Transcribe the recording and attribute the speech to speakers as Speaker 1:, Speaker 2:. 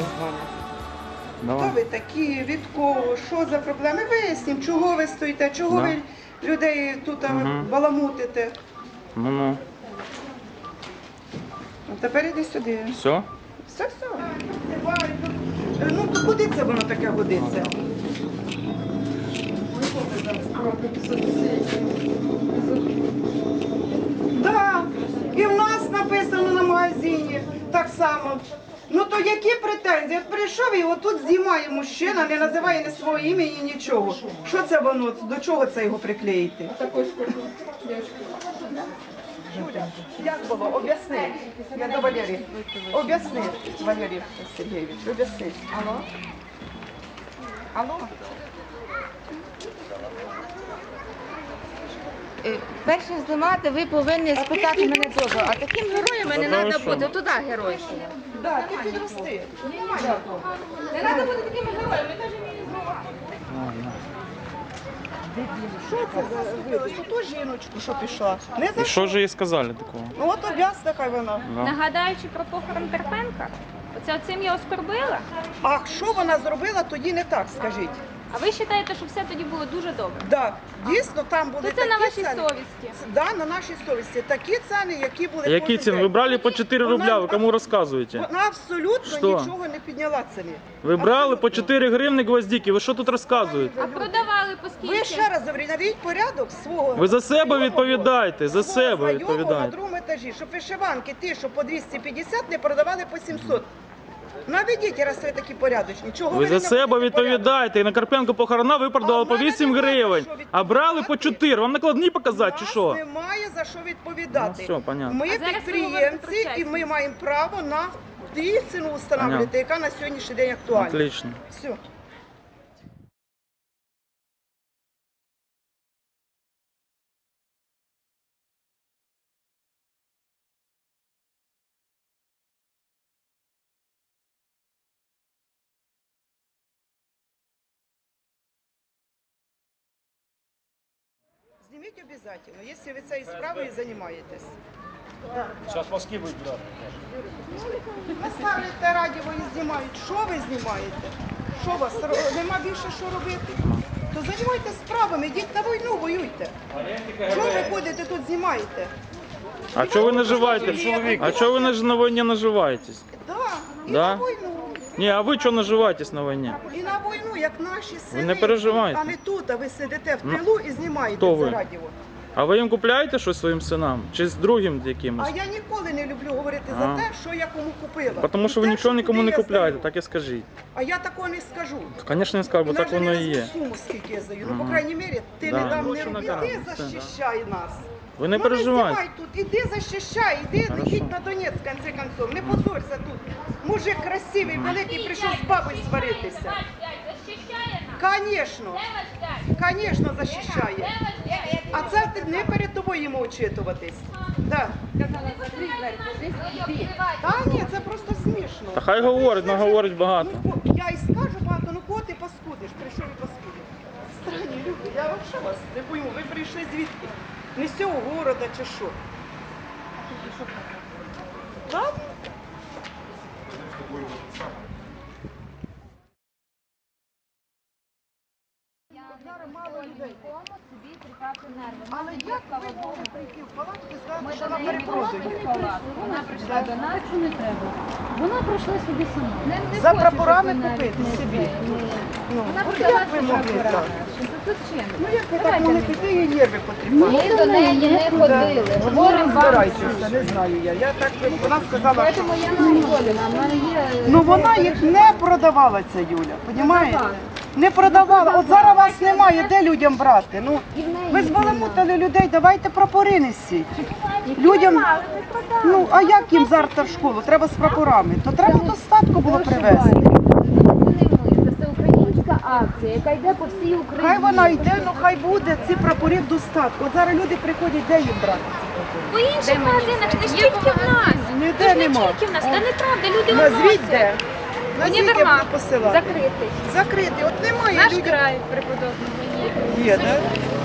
Speaker 1: з вами.
Speaker 2: Давай.
Speaker 1: Хто ви такі, від кого, що за проблеми? Вияснім, чого ви стоїте, чого ви людей тут баламутите.
Speaker 2: Ну.
Speaker 1: А тепер іди сюди.
Speaker 2: Все?
Speaker 1: Все. Ну, то куди це воно таке годиться? Так, і в нас написано на магазині так само. Ну то які претензії? От прийшов і отут знімає мужчина, не називає ні свого імені, нічого. Що це воно? До чого це його приклеїти? Як було? Об'ясни. Я до Валерії. Об'ясни, Валерій Сергійович, об'ясни. Алло? Алло?
Speaker 3: Перш ніж знімати, ви повинні спитати мене дозволу. А таким героями не треба бути. Туди геройщина.
Speaker 1: Так, ти підрости.
Speaker 3: Не треба бути такими героями, ми теж вміємо знімати.
Speaker 1: Що це за вилось? Ото жіночку, що пішла. Не за
Speaker 2: І що ж їй сказали такого?
Speaker 1: Ну от об'ясна хай вона.
Speaker 2: Да.
Speaker 4: Нагадаючи про похорон Карпенка, оцим я оскорбила.
Speaker 1: А що вона зробила, тоді не так, скажіть.
Speaker 4: А ви вважаєте, що все тоді було дуже добре?
Speaker 1: Так, дійсно, там були
Speaker 4: То це
Speaker 1: такі
Speaker 4: на вашій
Speaker 1: ціни.
Speaker 4: совісті.
Speaker 1: Да, на нашій совісті. Такі ціни, які були
Speaker 2: Які
Speaker 1: кожен
Speaker 2: ціни?
Speaker 1: день.
Speaker 2: Ви брали по 4 рубля, ви кому розказуєте?
Speaker 1: Вона абсолютно
Speaker 2: Що?
Speaker 1: нічого не підняла ціни.
Speaker 2: Ви брали по
Speaker 1: Абсолютно.
Speaker 2: 4 гривні гвоздики, ви що тут розказуєте?
Speaker 4: А продавали по скільки?
Speaker 1: Ви ще раз говорю, навіть порядок свого.
Speaker 2: Ви за себе
Speaker 1: знайомого,
Speaker 2: відповідаєте, за
Speaker 1: свого
Speaker 2: себе
Speaker 1: знайомого на
Speaker 2: відповідаєте.
Speaker 1: другому етажі, щоб вишиванки ті, що по 250, не продавали по 700. Наведіть, раз ви такі порядочні. Чого
Speaker 2: Ви
Speaker 1: не
Speaker 2: за себе
Speaker 1: наводите порядок?
Speaker 2: відповідаєте. І на Карпенко похорона ви продавали
Speaker 1: А
Speaker 2: по
Speaker 1: в мене
Speaker 2: 8
Speaker 1: немає
Speaker 2: гривень,
Speaker 1: за що
Speaker 2: а брали по
Speaker 1: відповідати.
Speaker 2: 4. Вам накладні показати чи
Speaker 1: Нас
Speaker 2: що?
Speaker 1: немає за що відповідати.
Speaker 2: Ну, все, понятно.
Speaker 1: Ми
Speaker 4: А зараз ви говорите
Speaker 1: підприємці
Speaker 4: про
Speaker 1: і
Speaker 4: чесність.
Speaker 1: ми маємо право на ту ціну встановлювати,
Speaker 2: Понятно.
Speaker 1: яка на сьогоднішній день актуальна.
Speaker 2: Отлично.
Speaker 1: Все. Зніміть обов'язково, якщо ви цією справою займаєтесь.
Speaker 5: Сейчас мозги будут, да.
Speaker 1: Ви ставите радіо і знімають. Що ви знімаєте? Що у вас? Нема більше що робити? То займайтесь справами, йдіть на війну, воюйте. Що ви ходите тут знімаєте?
Speaker 2: А чого ви наживаєте? А чого ви на війні наживаєтесь?
Speaker 1: Да, і
Speaker 2: Да?
Speaker 1: на війну.
Speaker 2: Ні, а ви чого наживаєтесь на війні?
Speaker 1: І на війну, як наші сини.
Speaker 2: не переживайте.
Speaker 1: А не тут, а ви сидите в
Speaker 2: Ну,
Speaker 1: тилу і знімаєте
Speaker 2: хто
Speaker 1: це
Speaker 2: ви?
Speaker 1: радіо.
Speaker 2: А ви їм купляєте щось своїм синам? Чи з другим якимось?
Speaker 1: А я ніколи не люблю говорити
Speaker 2: А.
Speaker 1: за те, що я кому купила.
Speaker 2: Тому що ви
Speaker 1: І те,
Speaker 2: нічого нікому
Speaker 1: куди
Speaker 2: не
Speaker 1: я
Speaker 2: купляєте,
Speaker 1: здаю.
Speaker 2: так і скажіть.
Speaker 1: А я такого не скажу.
Speaker 2: Звісно, не скажу, бо
Speaker 1: І
Speaker 2: так
Speaker 1: навіть
Speaker 2: воно
Speaker 1: не
Speaker 2: і
Speaker 1: назву
Speaker 2: є.
Speaker 1: суму, скільки я здаю. Ну, по
Speaker 2: Ага.
Speaker 1: крайній мірі, ти
Speaker 2: Да.
Speaker 1: не дам, не
Speaker 2: Гроші
Speaker 1: роби.
Speaker 2: на
Speaker 1: Іди
Speaker 2: карму, все,
Speaker 1: захищай нас.
Speaker 2: Ви не
Speaker 1: Ну,
Speaker 2: переживайте.
Speaker 1: знімай тут, іди захищай, іди,
Speaker 2: Хорошо.
Speaker 1: їдь на Донець, в конце концов. Не позорься тут. Мужик красивий, великий, прийшов з бабою сваритися. Конечно, конечно, захищає. А це ти не перед тобою йому очитуватись. Да. Та ні, це просто смішно.
Speaker 2: Та хай говорить,
Speaker 1: Це вже-
Speaker 2: говорить багато.
Speaker 1: Ну, я і скажу багато, ну кого ти паскудиш, прийшов і паскудиш. Странні люди, я взагалі вас не пойму, ви прийшли звідки? Не з цього города чи що? Ладно. Зараз мало людей. Але як ви могли прийти в палатку і сказати, що вона перепродує?
Speaker 6: Вона прийшла до нас, що не треба. Вона прийшла собі сама.
Speaker 1: За прапорами купити собі. Ну,
Speaker 6: Вона
Speaker 1: от
Speaker 6: продала
Speaker 1: як ви
Speaker 6: ці
Speaker 1: могли
Speaker 6: прапори.
Speaker 1: так?
Speaker 6: Тут чим?
Speaker 1: Ну як ви так могли піти і нерви потріпати?
Speaker 6: Ми до неї не ходили. Говоримо вам.
Speaker 1: Збирайтеся, не знаю я. Я так, вона сказала, що...
Speaker 6: Тому я не згодена. В мене є...
Speaker 1: Ну вона їх не продавала, ця Юля, розумієте? Не продавала. От зараз вас немає, де людям брати? Ну, ви збаламутили людей, давайте прапори несіть. Людям, ну, а як їм завтра в школу? Треба з прапорами. То треба достатку було привезти.
Speaker 6: Це всеукраїнська акція, яка йде по всій Україні.
Speaker 1: Хай вона йде, ну хай буде ці прапори в достатку. От зараз люди приходять, де їм брати?
Speaker 4: По інших магазинах, не тільки в нас.
Speaker 1: Ніде
Speaker 4: Не
Speaker 1: нема.
Speaker 4: тільки в нас, та неправда, люди
Speaker 1: Назвіть де.
Speaker 4: виносять.
Speaker 1: Назвіть, як
Speaker 4: Універмаг
Speaker 1: ви посилали.
Speaker 4: закритий.
Speaker 1: Закритий. От немає
Speaker 4: Наш
Speaker 1: людям.
Speaker 4: край преподобного є.
Speaker 1: Є, так?